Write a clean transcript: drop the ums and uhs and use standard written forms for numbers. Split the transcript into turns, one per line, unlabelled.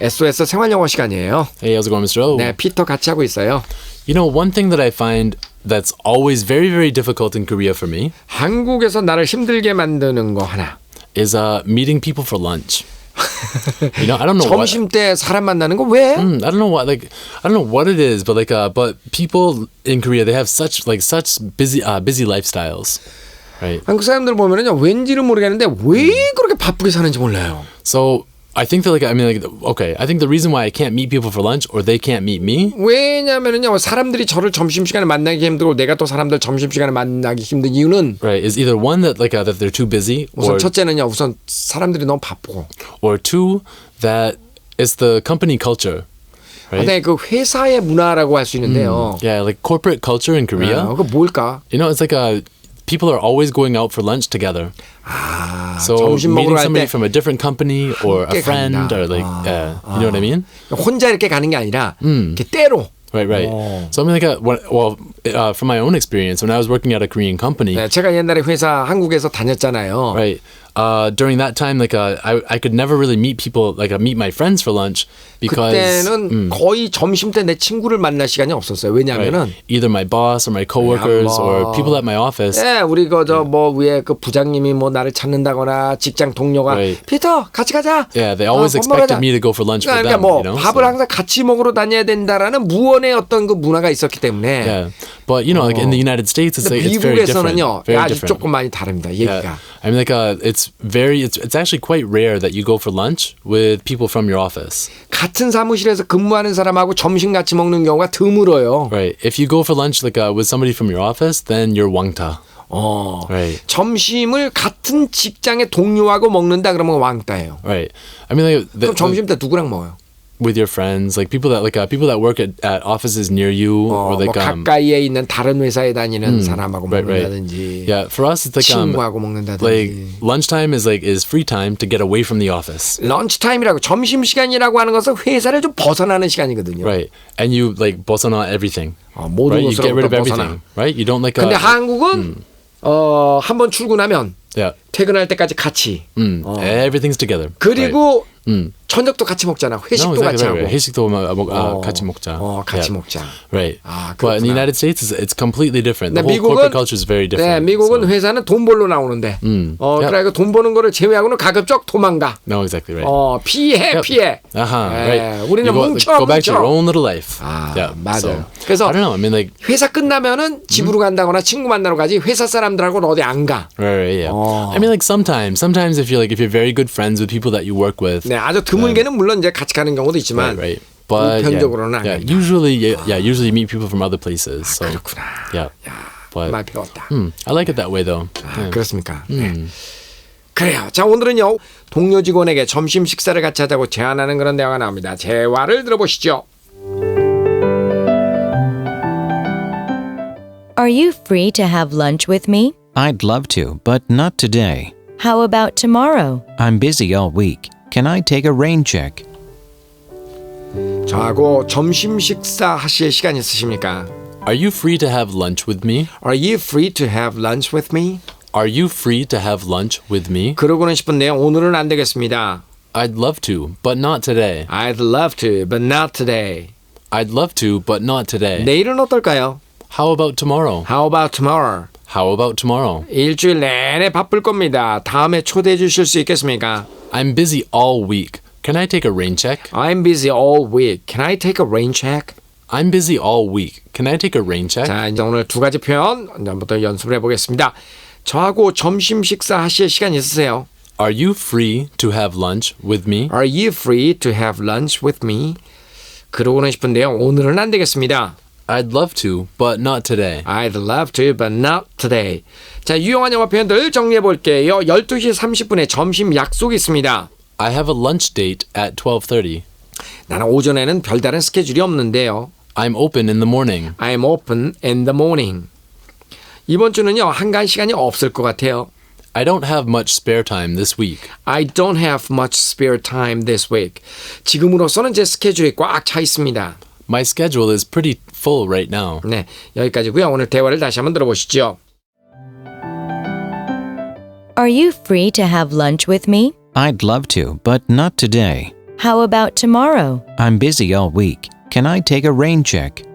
SOS 생활영어 시간이에요.
Hey, how's it going, Mr. O?
네, 피터 같이 하고 있어요.
You know, one thing that I find that's always very, very difficult in Korea for me
한국에서 나를 힘들게 만드는 거 하나.
is meeting people for lunch. You know, I don't know what.
점심 때 사람 만나는 거 왜?
I don't know what I don't know what it is, but but people in Korea they have such busy lifestyles, right?
한국 사람들 보면은요 왠지는 모르겠는데 왜 그렇게 바쁘게 사는지 몰라요.
So I think that okay, I think the reason why I can't meet people for lunch or they can't meet me.
왜냐면은요 사람들이 저를 점심 시간에 만나기 힘들고 내가 또 사람들 점심 시간에 만나기 힘든 이유는
Right, is either one that that they're too busy,
우선
or
첫째는요 우선 사람들이 너무 바쁘고,
or two that it's the company culture. Right?
근데 그 회사의 문화라고 할 수 있는데요.
Yeah, like corporate culture in Korea.
그 뭘까?
You know, it's people are always going out for lunch together. So
점심
meeting
먹으러 갈
somebody
때
from a different company or a
함께
friend
간다.
or you know what I mean?
혼자 이렇게 가는 게 아니라 이렇게 때로.
Right. So I mean, from my own experience, when I was working at a Korean company,
네, 제가 옛날에 회사 한국에서 다녔잖아요.
right, during that time, I could never really meet people, meet my friends for lunch because
그때는 거의 점심 때 내 친구를 만날 시간이 없었어요. 왜냐하면은
right, either my boss or my coworkers or people at my office.
네, 우리 위에 그 부장님이 나를 찾는다거나 직장 동료가
Right.
피터 같이 가자.
Yeah, they always
밥
expected
먹으자.
me to go for lunch with
그러니까
them. You know?
밥을
So,
항상 같이 먹으러 다녀야 된다라는 무언의 어떤 그 문화가 있었기 때문에.
yeah, but you know, in the United States, it's it's very different.
미국에서는요,
Very
아주
different.
조금 많이 다릅니다. 얘기가.
Yeah. I mean, it's actually quite rare that you go for lunch with people from your office.
같은 사무실에서 근무하는 사람하고 점심 같이 먹는 경우가 드물어요.
Right. If you go for lunch with somebody from your office, then you're 왕따. Right.
점심을 같은 직장의 동료하고 먹는다 그러면 왕따예요.
Right. I mean,
그럼 점심 때 누구랑 먹어요?
with your friends, people that work at offices near you, or
가까이에 있는 다른 회사에 다니는 사람하고
right.
먹는다든지.
Yeah, for us it's
친구하고 먹는다든지.
lunchtime is free time to get away from the office.
런치타임이라고 점심 시간이라고 하는 것은 회사를 좀 벗어나는 시간이거든요.
Right, and you 벗어나 everything.
모든
right? You get rid of
것으로부터
everything.
벗어나.
Right, you don't
근데 한국은 한번 출근하면
yeah.
퇴근할 때까지 같이.
Everything's together.
그리고
right.
저녁도 같이 먹잖아. 회식도
no, exactly
같이
right.
하고.
회식도 같이 먹자.
같이
yeah.
먹자.
Right.
그렇구나.
But in the United States, it's completely different. The whole
미국은,
corporate culture is very different.
네, 미국은
so.
회사는 돈 벌러 나오는데, 그러니까 돈 버는 거를 제외하고는 가급적 도망가.
No, exactly right.
피해.
Right.
우리는
go back to your own little life. Yeah.
맞아요.
So,
그래서
I don't know. I mean,
회사 끝나면은 집으로 간다거나 친구 만나러 가지 회사 사람들하고는 어디 안 가.
Right. Yeah. I mean, sometimes if you're very good friends with people that you work with.
네, 아주 드물게는 물론 이제 같이 가는 경우도 있지만,
right. But
보편적으로는 안 간다.
usually you meet people from other places. So
그렇구나.
yeah. But
말 배웠다.
I like it that way though.
그렇습니까? 네. 그래요. 자, 오늘은요 동료 직원에게 점심 식사를 같이 하자고 제안하는 그런 대화가 나옵니다. 대화를 들어보시죠.
Are you free to have lunch with me?
I'd love to, but not today.
How about tomorrow?
I'm busy all week. Can I take a rain check?
저하고 점심 식사 하실 시간 있으십니까?
Are you free to have lunch with me?
Are you free to have lunch with me?
Are you free to have lunch with me?
그러고는 싶은데요. 오늘은 안 되겠습니다.
I'd love to, but not today.
I'd love to, but not today.
I'd love to, but not today.
내일은 어떨까요?
How about tomorrow?
How about tomorrow?
How about tomorrow?
일주일 내내 바쁠 겁니다. 다음에 초대해 주실 수 있겠습니까?
I'm busy all week. Can I take a rain check?
I'm busy all week. Can I take a rain check?
I'm busy all week. Can I take a rain check?
자, 이제 오늘 두 가지 표현 한번 연습을 해보겠습니다. 저하고 점심 식사 하실 시간 있으세요?
Are you free to have lunch with me?
Are you free to have lunch with me? 그러고는 싶은데요. 오늘은 안 되겠습니다.
I'd love to, but not today.
I'd love to, but not today. 자, 유용한 영어 표현들 정리해 볼게요. 12시 30분에 점심 약속이 있습니다.
I have a lunch date at 12:30.
나는 오전에는 별다른 스케줄이 없는데요.
I'm open in the morning.
I'm open in the morning. 이번 주는요, 한가한 시간이 없을 것 같아요.
I don't have much spare time this week.
I don't have much spare time this week. 지금으로서는 제 스케줄이 꽉 차 있습니다.
My schedule is pretty full right now.
네, 여기까지고요. 오늘 대화를 다시 한번 들어보시죠.
Are you free to have lunch with me?
I'd love to, but not today.
How about tomorrow?
I'm busy all week. Can I take a rain check?